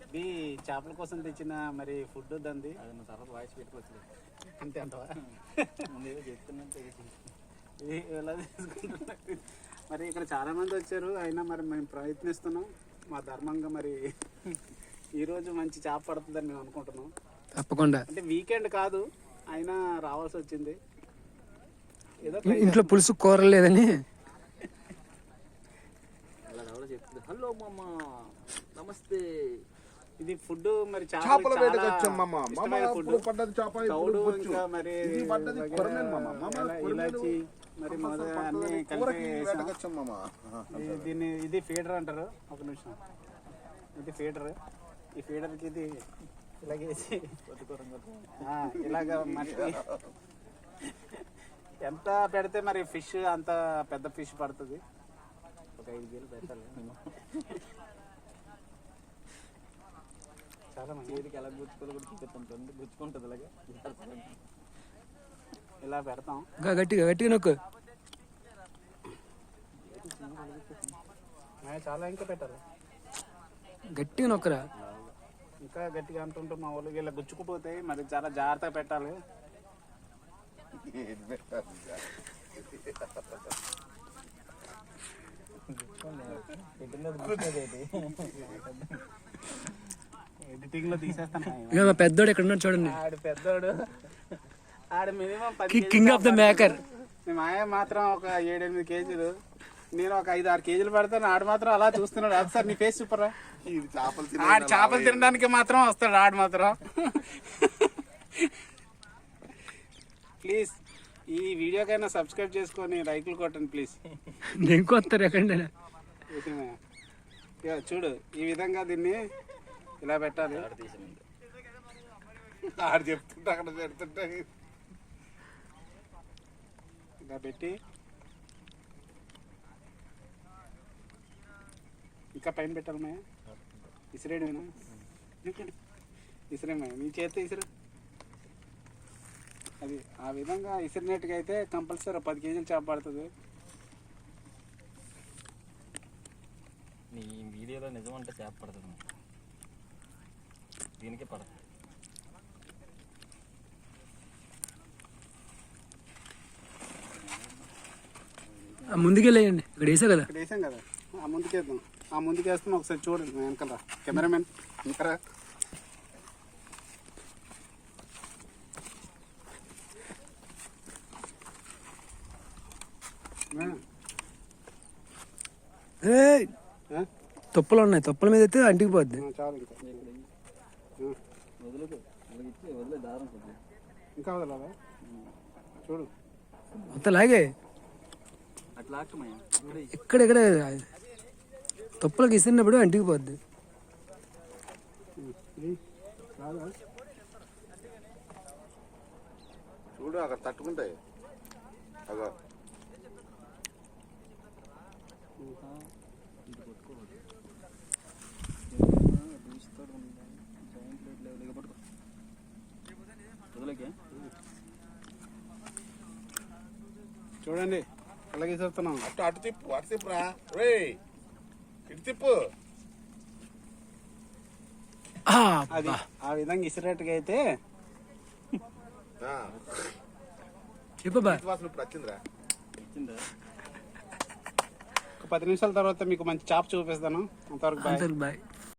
ఇది చేపల కోసం తెచ్చిన మరి ఫుడ్ దంది అది నువ్వు తర్వాత వాయిస్ పెట్టుకోవచ్చు. అంతే అంటవా? ముందేదో చెప్తున్నట్టు ఇది ఎలా తీసుకుంటున్నారు? మరి ఇక్కడ చాలా మంది వచ్చారు, అయినా మరి మేము ప్రయత్నిస్తున్నాం మా ధర్మంగా. మరి ఈరోజు మంచి చేప పడుతుందని మేము అనుకుంటున్నాం. తప్పకుండా. అంటే వీకెండ్ కాదు, అయినా రావాల్సి వచ్చింది. ఏదో ఇంట్లో పులుసు కూర లేదని అలా ఎవరో చెప్తుంది. హలో మామ నమస్తే. ఇది ఫుడ్ మరి చేపల వేటకు వచ్చాం మామ. మామ ఫుడ్ ఇప్పుడు పడ్డది చేప, ఇప్పుడు బొచ్చు. ఇంకా మరి ఇది పడ్డది కొరమేను మామ. మామ ఇలాచి మరి మొదలు అన్ని కూరకి కలిపి వేటకు వచ్చాం మామ. దీన్ని ఇది ఫీడర్ అంటారు. ఒక నిమిషం, ఇది ఫీడర్. ఈ ఫీడర్కి ఇది ఇలాగేసి ఇలాగ మట్టి ఎంత పెడితే మరి ఫిష్ అంత పెద్ద ఫిష్ పడుతుంది. ఒక 5 కేజీలు పెట్టాలి. చాలా మంది చేతికి ఎలా గుచ్చుకోవాలి కూడా చూపిస్తాం. గుచ్చుకుంటుంది అలాగే ఇలా పెడతాం. గట్టిగా గట్టిగా నొక్కు. చాలా ఇంకా పెట్టాలి, గట్టిగా నొక్కరా. ఇంకా గట్టిగా అంటుంటే మా వాళ్ళకి ఇలా గుచ్చుకుపోతాయి. మరి చాలా జాగ్రత్తగా పెట్టాలి. ఎడిటింగ్ లో తీసేస్తాను. ఇక మా పెద్దోడు ఎక్కడ ఉన్నాడు చూడండి. ఆడు పెద్దోడు, ఆడు minimum 10 king of the maker. మేము ఆయన మాత్రం ఒక 7-8 కేజీలు, నేను ఒక 5-6 కేజీలు పడతాను. ఆడు మాత్రం అలా చూస్తున్నాడు. అది సార్ నీ ఫేస్ చూపరా. ఆడు చేపలు తినడానికి మాత్రం వస్తాడు ఆడు మాత్రం. ప్లీజ్ ఈ వీడియోకైనా సబ్స్క్రైబ్ చేసుకొని లైక్లు కొట్టండి ప్లీజ్. ఇంకొస్తారు ఎక్కడ చూడు, ఈ విధంగా దీన్ని ఇలా పెట్టాలి. ఆడు చెప్తుంటే అక్కడ పెడుతుంటే ఇలా పెట్టి ఇంకా పైన పెట్టాలి. మాయ ఇసిరేడు, ఇసిరేమాయ నీ చేస్తే ఇసురు. అది ఆ విధంగా ఇసిరినట్టుగా అయితే కంపల్సరీ 10 కేజీలు చేప పడుతుంది. నీ వీడియోలో నిజం అంటే చేప పడుతుంది, దీనికే పడుతుంది. ముందుకెళ్ళేయండి. ఇక్కడ వేసా కదా, ఇక్కడ వేసాం కదా, ఆ ముందుకేద్దాం. ఆ ముందుకేస్తాం. ఒకసారి చూడండి వెనకాల కెమెరామెన్. ఇంకా తొప్పలు ఉన్నాయి, తొప్పల మీద అయితే అంటికి పోద్ది. చాలు ఇంకా వదిలేదు వదిలే దారం కొద్దిగా ఇంకా వదలాలా? చూడు అంత లాగే అట్లా ఆకమయ్యా. ఇక్కడెక్కడ తొప్పలకి ఇస్తున్నప్పుడు అంటికి పోద్ది. చూడు అక్కడ తట్టుకుంటాయి. అగో చూడండి అలాగే చూస్తున్నాం. అటు అటు తిప్పు, అటు తిప్పురా. రే ఇటు తిప్పు. అది ఆ విధంగా ఇసిరేట్టుగా అయితే చెప్పబా. వాసన ఇప్పుడు వచ్చిందిరా. ఒక 10 నిమిషాల తర్వాత మీకు మంచి చాప్ చూపిస్తాను. అంతవరకు బాయ్. బాయ్.